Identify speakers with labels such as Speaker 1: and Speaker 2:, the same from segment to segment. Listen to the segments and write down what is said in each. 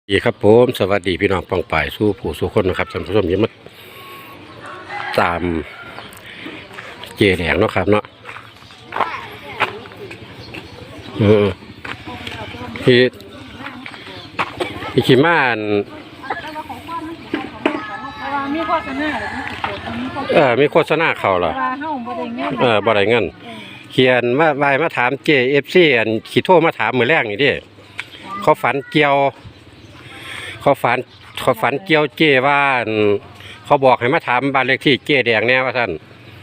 Speaker 1: ดีครับผมสวัสดีพี่น้องปองป่ายสู้ผู้สู้คนนะครับท่านผู้ชมยังมาตามเจแดงเนาะครับเนาะพี่ขี่ม้าน
Speaker 2: มีโฆษณา
Speaker 1: มีโฆษณาเขาเหรอบ่ได้เงินเขียนมาถามเจFCอันขี่โทรมาถามมือแรกนี่ดิเขาฝันเกี่ยวเกี่ยวเจว่าเขาบอกให้มาถามบ้านเลขที่เจแดงแน่ว่าท่าน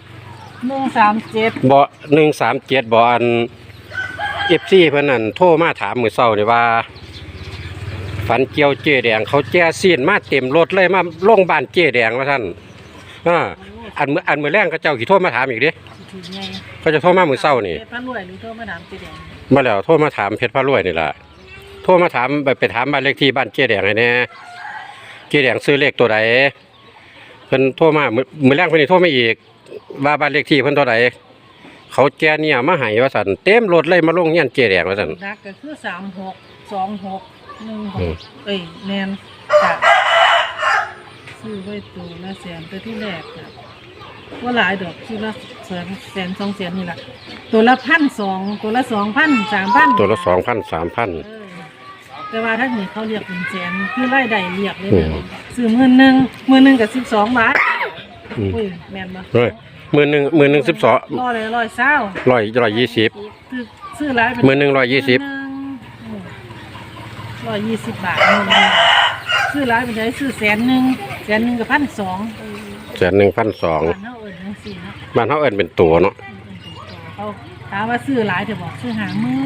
Speaker 2: 137
Speaker 1: บ่137บ่อัน FC เพิ่นนั่นโทรมาถามมื้อเช้านี่ว่าฝันเกี่ยวเจแดงเขาแจ้ซีนมาเต็มรถเลยมาลงบ้านเจแดงว่าท่านอันมื้อแรงเขาเจ้าสิโทรมาถามอีกเด้เขาจะโทรมามื้อเช้านี่
Speaker 2: เพชรพระรวยหรือโทรมาถามเจแดง
Speaker 1: มาแล้วโทรมาถามเพชรพระรวยนี่ล่ะโทรมาถามไปถามบ้านเลขที่บ้านเจแดงให้แน่เจแดงซื้อเลขตัวใดเพิ่นโทรมามื้อแรกเพิ่นนี่โทรมาอีกว่าบ้านเลขที่เพิ่นตัวใดเขาแจ้เนี่ยมาให้ว่าซั่นเต็มรถเลยมาลงเฮียนเจแดงว่าซั่น
Speaker 2: นักก็คือ362616แม่นจ้ะซื้อไว้ตัวละแสนตัวที่แรกจ้ะว่าหลายดอกซื้อละแสน2แสนนี่ล่ะตัวละ1,200ตัวละ2,000 3,000
Speaker 1: ตัวละ2,000 3,000
Speaker 2: แต่ว่าถ้านี่เขาเรียกเป็นแสนคือรายได้เรียกเลยซื้อ10,000ก็12 บาทอุ้ยแม่นบ่
Speaker 1: เฮ้ยมื้อนึง12 120
Speaker 2: ซื้อหลายเป็น
Speaker 1: มื้อนึง120
Speaker 2: 120 บาทซื้อหลายเป็นได้ซื้อแสนหนึ่งก็1,200
Speaker 1: แสนหนึ่ง1,200บ้านเฮาเอิ้นเป็นตัวเนาะ
Speaker 2: เขาถามว่าซื้อหลายจะบอกซื้อ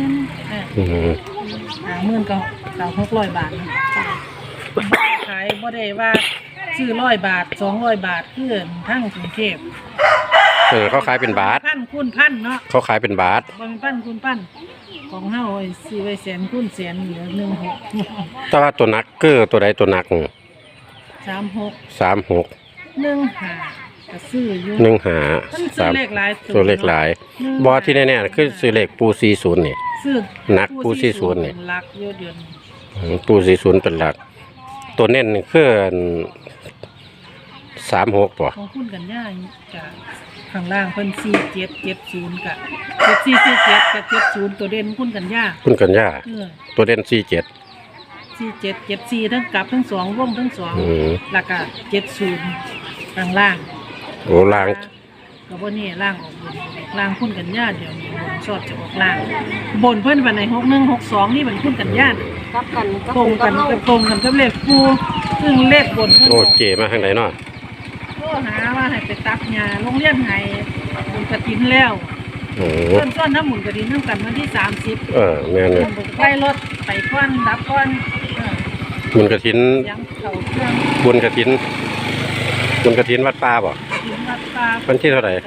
Speaker 2: 50,000ก็600 บาทขายบ่ได้ว่าซื้อ100 บาท200 บาทคือทั้งกรุงเทพ
Speaker 1: เขาขายเป็นบาท
Speaker 2: พันคูณพันเนาะ
Speaker 1: เขาขายเป็นบาท
Speaker 2: บ่เป็นพันคูณพันของเฮาซื้อไว้แสนคูณแสนเหลือ16
Speaker 1: แต่ว่าตัวนักเกอร์ตัวใดตัวนัก
Speaker 2: 36 15ก็ซื้ออยู่
Speaker 1: 15
Speaker 2: เลขหลาย
Speaker 1: ตัวเลขหลายบ่ที่แน่ๆคือซื้อเลขปู40นี่
Speaker 2: ซื้อ
Speaker 1: นักปู40นี่
Speaker 2: หลักอยู่เดือน
Speaker 1: ปู40เป็นหลักตัวเน้นคือ36ป่ะ
Speaker 2: ของคุณกันย่าจะข้างล่างเพิ่น4770กับ7447กับ70ตัวเด่นคุณกันย่า
Speaker 1: ตัวเด่น47
Speaker 2: 74ทั้งกลับทั้ง2วงทั้ง2แล้วก็70ข้างล่าง
Speaker 1: โอ้ล่าง
Speaker 2: ก็บ่นี่ล่างออกบนล่างคุณกันย่าเดี๋ยวนี้บนชอบจะออกล่างบนเพิ่นวันไหน6162นี่มันคุณกันย่ากับกันตรงกันกับเลขปูซึ่งเลขบน
Speaker 1: โอ้เก๋มาทางไหนเนาะ
Speaker 2: หาว่าให้ไปตักหญ้าโรงเรียนให้บุญกฐินแล้วเพิ่นซ้อนน้ำบุญกฐินนำกันวันที่30
Speaker 1: แม่นเลย
Speaker 2: ไปรถไปก่อนดับก่อน
Speaker 1: บุญกฐินบุญกฐินวัดป่าบ่วันที่เท่าไหร่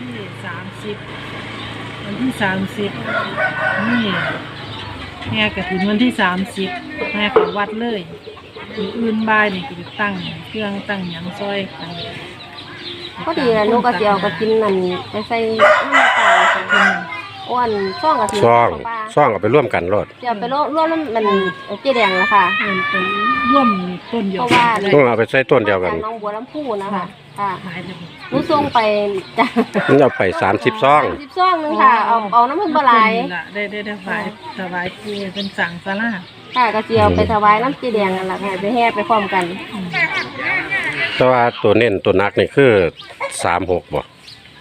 Speaker 2: วันที่30นี่แม่กฐินวันที่30แม่เข้าวัดเลยอื่นบ่ายนี่ก็จะตั้งเครื่องตั้งหยังซอย
Speaker 3: ก็ดีนะลูกกระเจียวก็กินนั่นไปใส่น้ำตาลอ้วนซ่องกับที
Speaker 1: ซ่องเอาไปร่วมกันรถ
Speaker 3: เดี๋ยวไปร่วมมันเจ๊แดงแล้วค่ะ
Speaker 2: เป็นร่วมต้นเดียว
Speaker 1: ต้องเอาไปใส่ต้นเดียวกัน
Speaker 3: น้องบัวลำพูนะคะค่ะลูกส่งไปจ้ะ
Speaker 1: เอาไป30 ซอง
Speaker 3: นึงค่ะเอาน้ำมันปลาย
Speaker 2: ได้ถวายคือเป็นสั่งซาลา
Speaker 3: ค่ะกระเจียวไปถวายน้ำเจ๊แดงนั่นแหละค่ะไปแห่ไปพร้อมกัน
Speaker 1: แต่ว่าตัวเน้นตัวนักนี่คือ36บ่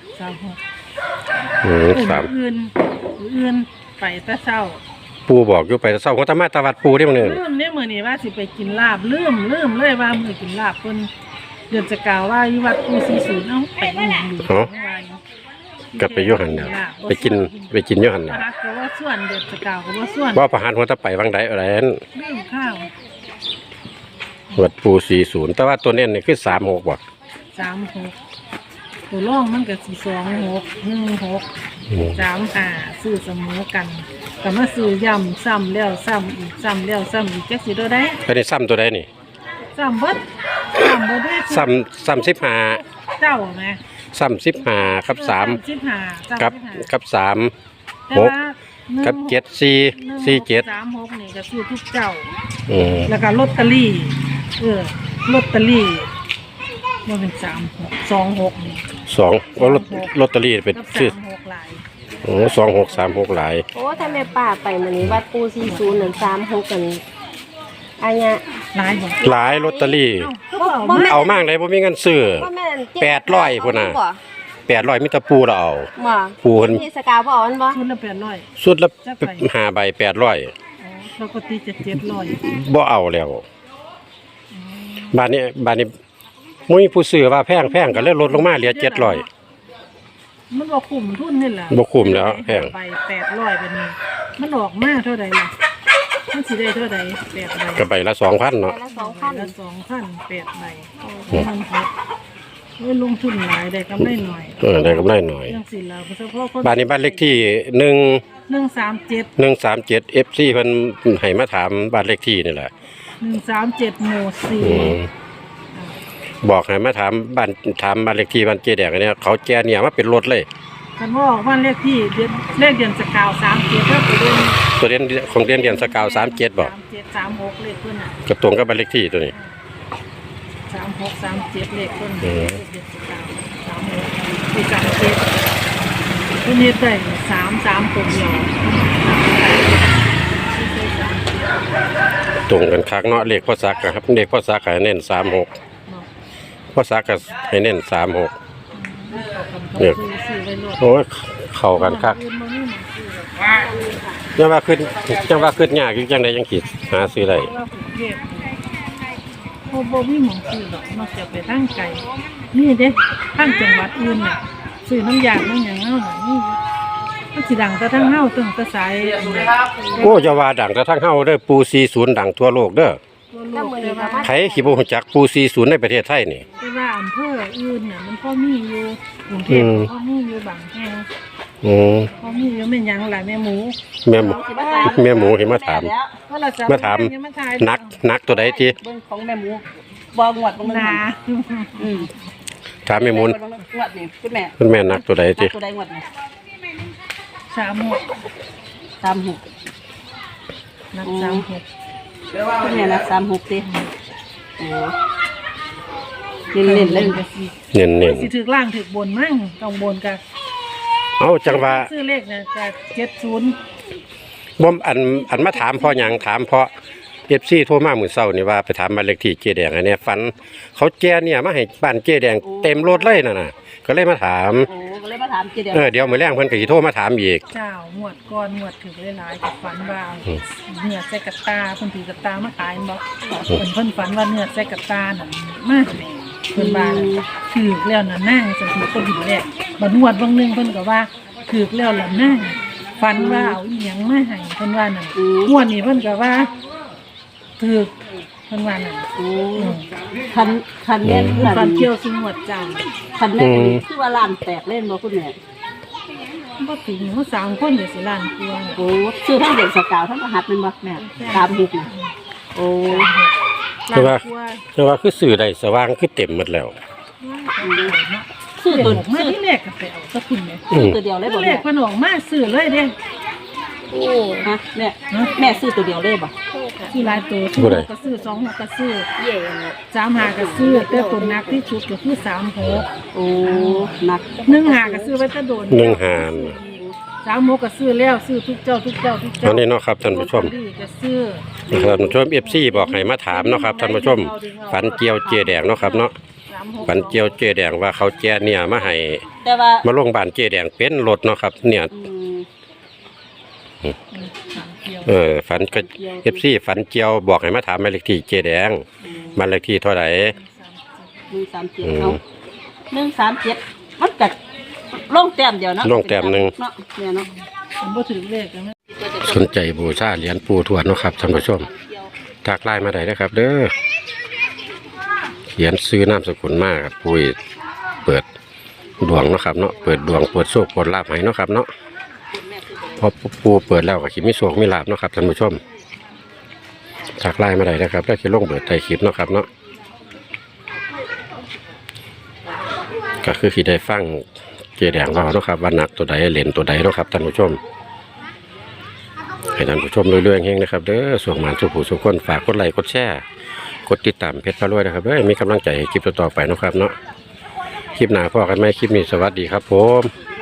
Speaker 2: 36อื่นไปแต่เช้า
Speaker 1: ปูบอกอยู่ไปแต่เช้าของธรรมะตะวัดปูได้มื้อนึง
Speaker 2: ลืมเนี่ยมื้อนี้ว่าสิไปกินลาบลืมเลยว่ามื้อกินลาบเพิ่นเดือนจะกล่าวว่าอยู่วัดปู40เอ้าไปอีหยังอยู่
Speaker 1: ก็ไปอยู่หั่นน่ะไปกินอยู่หั่นน่ะ
Speaker 2: ก็ว่าส่วนเดือนจะกล่าวก็ว่าส่วน
Speaker 1: บ่ประหารหัวตะไปวังใดอะไรนั่น
Speaker 2: ลืมข้าว
Speaker 1: วัดปู40แต่ว่าตัวเน้นนี่คือ36บ่
Speaker 2: 36ตัวร่องมันก็สิ26 16 35ซื้อเสมอกันก็มาซื้อย่ำซ้ำแล้วซ้ำอีกซ้ำแล้วซ้ำอีกจักสิตัวใด
Speaker 1: อันนี้ซ้ำตัวใดนี่
Speaker 2: ซ้ำเบิดได้
Speaker 1: ซ้ำ15
Speaker 2: เจ้าแม่
Speaker 1: ซ้ำ15ครับ3กับ3
Speaker 2: แต่ว่า
Speaker 1: กับ7447
Speaker 2: 36นี่ก็ซื้อทุกเจ้า
Speaker 1: อืม
Speaker 2: แล้วก็ลอตเตอรี่ลอตเตอรี่มันเป็น36 26นี่
Speaker 1: 2ว่าลอตเตอรี่เป็น
Speaker 2: กับ
Speaker 1: ชื่อ
Speaker 2: 36หลาย
Speaker 1: โอ้2636หลาย
Speaker 3: โอ้ถ้าแม่ป้าไปมื้อนี้วัดปู40นั่น36กันอันเนี้ย
Speaker 2: หลายบ่
Speaker 1: หลายลอตเตอรี่
Speaker 2: เอ้าก็เอามา
Speaker 1: เอามากเลยบ่มีเงินซื้อ
Speaker 3: ว่าแม่น
Speaker 1: 800พุ่นน่ะ 800มีแตะปูเราเอา
Speaker 3: บ่
Speaker 1: ปูเพิ่น
Speaker 3: ที่สกาวบ่เอามันบ่
Speaker 2: ชุดละ800
Speaker 1: สุดละ5ใบ800
Speaker 2: อ๋อปกติจะ700
Speaker 1: บ่เอาแล้วบ้านนี้มุ้ยผู้ซื้อว่าแพงก็เลยลดลงมาเหลือ700
Speaker 2: มันบ่คุ้มทุนนี่แหละ
Speaker 1: บ่คุ้มแล้วแพง
Speaker 2: ไป800ไปนี่มันออกมาเท่าใดล่ะมันสิได้เท่าใด8ใบ
Speaker 1: ก็ใบละ 2,000 เนาะ
Speaker 3: ละ
Speaker 2: ละ
Speaker 3: 2,000
Speaker 2: 2,000 8ใบมันหดลงทุนหลายได้กำไรหน่อย
Speaker 1: ได้กำไรหน่อย
Speaker 2: จังซี่ล่ะเฉพาะคน
Speaker 1: บ้านนี้บ้านเลขที่
Speaker 2: 137
Speaker 1: 137 FC เพิ่นให้มาถามบ้านเลขที่นี่แหละ
Speaker 2: 137หมู่
Speaker 1: อืมบอกให้มาถามบ้านเลขที่บ้านเจแดงอันเนี้ยเขาแจ้เนี่ยมาเป็นรถเลย
Speaker 2: 4กันว่าบ้านเลขที่เลขเดือนสกาว37ก็ไปเดือน
Speaker 1: ตัวเรียนของเรียนสกาว37บ่
Speaker 2: 37 36เลขเพิ่นน่ะ
Speaker 1: ก็ตรงกับบ้านเลขที่ตัวนี้
Speaker 2: 36 37เลขเพิ่น
Speaker 1: อืม
Speaker 2: เลขเดือนสกาว36ที่37เพิ่นเฮ็ดได้33ตัวเดียว
Speaker 1: ตรงกันคักเนาะเลขพ่อซักอะครับเลขพ่อซักให้เน้น36พ่อซักก็ให้เน้น36เนี่ยโอ้ยเข้ากันคักจังว่าขึ้นยากอยู่จังได๋จังคิดหาซื้อได้
Speaker 2: โอ้บ่มีหมองซื้อหรอกนอกจากไปทางไกลนี่เด้ทางจังหวัดอื่นน่ะซื้อน้ำยางน้ำหยังเฮาน่ะนี่มันสิดังแต่ทางเฮาตึงแต่สายอันนี้
Speaker 1: โอ้จะว่าดังกระทั่งเฮาเด้อปู40ดังทั่วโลกเด้อ
Speaker 2: ทั่วโลกแต่ว่า
Speaker 1: ไผสิบ่ฮู้จักปู40ในประเทศไทยนี่
Speaker 2: แต่ว่าอำเภออื่นน่ะมันพอมีอยู่กรุงเทพก็พอมีอยู่บางแห่ง
Speaker 1: อืม
Speaker 2: พอมีอยู่แม่นหยังหลายแม่หมู
Speaker 1: แม่หมูให้มาถาม
Speaker 2: เพราะเราจะ
Speaker 1: มาถาม นักตัวใดที่
Speaker 4: เบิ่งของแม่หมูบ่งวดบ่
Speaker 2: นา
Speaker 4: อืม
Speaker 1: ถามแม่หมู
Speaker 4: งวดนี่คุณแม่
Speaker 1: คุณแม่นักตัวใดที่
Speaker 4: ตัวใดงวดนี่
Speaker 2: 36
Speaker 4: 36
Speaker 2: นัก
Speaker 4: อืม
Speaker 2: 36
Speaker 4: คุณแม่นะ36ติโอ้เล่นๆเลย
Speaker 1: เน้น
Speaker 2: สิถึกล่างถึกบนมั่งต้องบนกับ
Speaker 1: ๆเอาจังว่า
Speaker 2: ซื้อเลขเนี่ยกับ70
Speaker 1: บ่อันมาถามเพราะหยังถามเพราะ FC โทรมามื้อเช้านี่ว่าไปถามบ้านเลขที่เจแดงอันเนี้ยฝันเขาแจ้เนี่ยมาให้บ้านเจแดงเต็มรถเลยนั่นน่ะก็เลยมาถาม
Speaker 4: โอ้ก็เลยมาถามเจเดียว
Speaker 1: เดี๋ยวมื้อแรงเพิ่นก็สิโทรมาถามอีก
Speaker 2: เจ้าหมวดก่อนหมวดถือหลายๆกับฝันว่าเนื้อใส่กระตาเพิ่นถือกระตามาขายบ่เพิ่นฝันว่าเนื้อใส่กระตานั่นมาเพิ่นว่าถือแล้วน่ะนั่งสติคนดีแรกบ่นวดบางนึงเพิ่นก็ว่าถือแล้วล่ะนั่งฝันว่าเอาอีหยังมาให้เพิ่นว่านั่นงวดนี้เพิ่นก็ว่าถือเพิ่นว่านั่น
Speaker 4: โอ้คันแม่น
Speaker 2: ฝันเกี่ยวสิงวดจ้า
Speaker 4: คันแม่นคือว่าล้านแตกเล่นบ่คุณแม่
Speaker 2: บ่ถึงเฮา3คนเดี๋ยวสิล้านกว่า
Speaker 4: โอ้ชื่อทั้งเด็กสกาวทั้งรหัสแม่นบ่แม่36นี่โอ้
Speaker 1: แต่ว่าคือสื่อได้สว่างคือเต็มหมดแล้ว
Speaker 4: ชื่อตัว
Speaker 2: มา
Speaker 4: ชื่อ
Speaker 2: ที่แรกก็ไปเอาสักคุณแม่
Speaker 4: ตัวเดียวเลยบ่
Speaker 2: ที่แร
Speaker 4: แม่
Speaker 2: กเพิ่นออกมาซื้อเลยเด้
Speaker 3: โอ้
Speaker 4: ฮะแม่ซื้อตัวเดียวเลยบ่
Speaker 2: ซื้อหลายตัวซื้อ6ก็ซื้อ2 6ก็ซื้อ
Speaker 3: เย่
Speaker 2: 3 5ก็ซื้อแต่ตัวหนักที่สุดก็คือ3 6
Speaker 4: โอ้หนัก
Speaker 2: 1 5ก็ซื้อไว้แต่โดน
Speaker 1: 1 หาร
Speaker 2: 3 6ก็ซื้อแล้วซื้อทุกเจ้า
Speaker 1: อันนี้เนาะครับท่านผู้ชม
Speaker 2: ก็ซื้อ
Speaker 1: ท่านผู้ชม FC บอกให้มาถามเนาะครับท่านผู้ชมฝันเกี่ยวเจแดงเนาะครับเนาะ
Speaker 2: 3
Speaker 1: ฝันเกี่ยวเจแดงว่าเขาแจ้เนี่ยมาให้
Speaker 4: แต่ว่า
Speaker 1: มาลงบ้านเจแดงเป็นรถเนาะครับ เนี่ย ฝันก็ FC ฝันเกี่ยวบอกให้มาถามบ้านเลขที่เจแดงบ้านเลขที่เท่าไหร่
Speaker 4: 137เอา137มันก็ลงแต้มเดียวเนาะ
Speaker 1: ลงแต้มหนึ่ง
Speaker 4: เนาะเนี่ยเนาะ
Speaker 2: มันบ่ถึงเลขกันนะ
Speaker 1: สนใจบูชาเหรียญปู่ทวดเนาะครับท่านผู้ชมทักไลน์มาได้นะครับ เด้อเขียนซื้อนามสกุลมากครับปุ้ยเปิดดวงเนาะครับเนาะเปิดดวงเปิดโชคเปิดลาภให้เนาะครับเนาะพอปูเปิดแล้วก็คิดมีโชคมีลาภเนาะครับท่านผู้ชมทักไลน์มาได้นะครับแล้วคิดลงเปิดไทยคลิปเนาะครับเนาะก็คือคิดได้ฟังเจแดงว่าเนาะครับว่านักตัวใดเหรียญตัวใดเนาะครับท่านผู้ชมให้ท่านผู้ชมเรื่อยๆเฮงนะครับเด้อส่วนหมานสุผู้สุคนฝากกดไลค์กดแชร์กดติดตามเพจพารวยนะครับเด้อมีกำลังใจให้คลิปต่อๆไปนะครับเนาะคลิปหน้าพอกันไหมคลิปนี้สวัสดีครับผม